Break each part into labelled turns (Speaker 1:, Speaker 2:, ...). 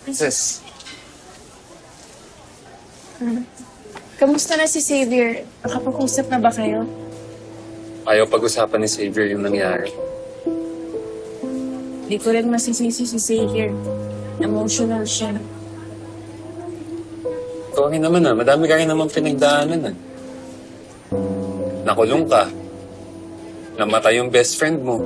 Speaker 1: Sis,
Speaker 2: Kamusta na si Xavier? Nakapag-usap na ba kayo?
Speaker 1: ayaw pag-usapan ni Xavier yung nangyari.
Speaker 2: Hindi ko rin masisisi si Xavier. Emotional siya.
Speaker 1: Sorry naman madami ka rin naman pinagdaanan Nakulong ka. Namatay yung best friend mo.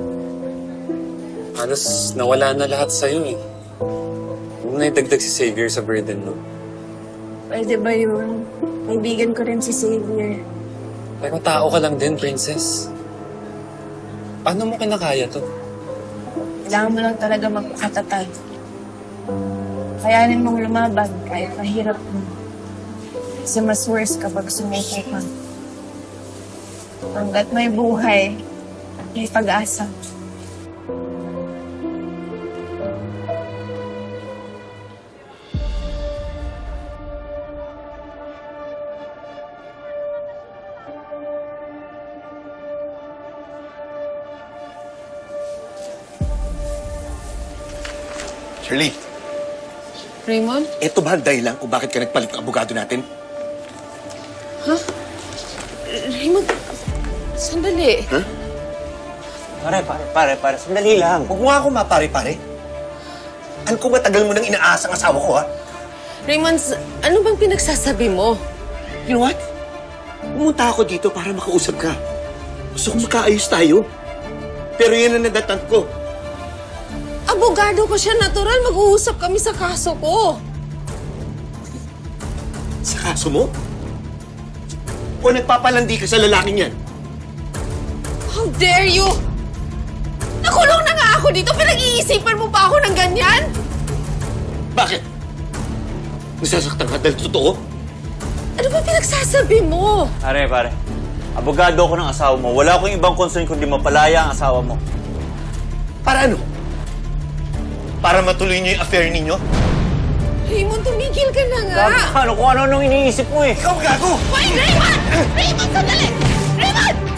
Speaker 1: Halos nawala na lahat sa'yo Huwag na idagdag si Xavier sa burden mo.
Speaker 2: Pwede ba yun? Kaibigan ko rin si Xavier.
Speaker 1: Pero tao ka lang din, princess. Paano mo kinakaya to?
Speaker 2: Kailangan mo lang talaga magpakatatag. Kayanin mong lumaban kahit mahirap mo. Kasi mas worse kapag sumuko ka. Hanggat may buhay, may pag-asa.
Speaker 3: Shirley,
Speaker 4: Raymond?
Speaker 3: eto ba ang dahilan kung bakit ka nagpalit ng abogado natin?
Speaker 4: Ha? Raymond, sandali.
Speaker 3: Pare, sandali lang. Huwag mo nga ako mapare-pare. Ano kung matagal mo nang inaasa ang asawa ko, ha?
Speaker 4: Raymond, ano bang pinagsasabi mo?
Speaker 3: You know what? Pumunta ako dito para makausap ka. Gusto kong makaayos tayo. Pero yan ang nadatnan ko.
Speaker 4: Abogado ko siya, natural. Mag-uusap kami sa kaso ko.
Speaker 3: Sa kaso mo? O nagpapalandi ka sa lalaking yan?
Speaker 4: How dare you? Nakulong na nga ako dito. Pinag-iisipan mo pa ako ng ganyan?
Speaker 3: Bakit? Nasasaktan ka dahil totoo?
Speaker 4: Ano ba pinagsasabi mo?
Speaker 5: Pare. Abogado ako ng asawa mo. Wala akong ibang concern kundi mapalaya ang asawa mo.
Speaker 3: Para ano? Para matuloy niyo yung affair ninyo?
Speaker 4: Raymond, tumigil ka na nga.
Speaker 5: Ano kung ano nung iniisip mo eh.
Speaker 3: Ikaw gago!
Speaker 4: Wait, Raymond! Raymond, sandali! Raymond!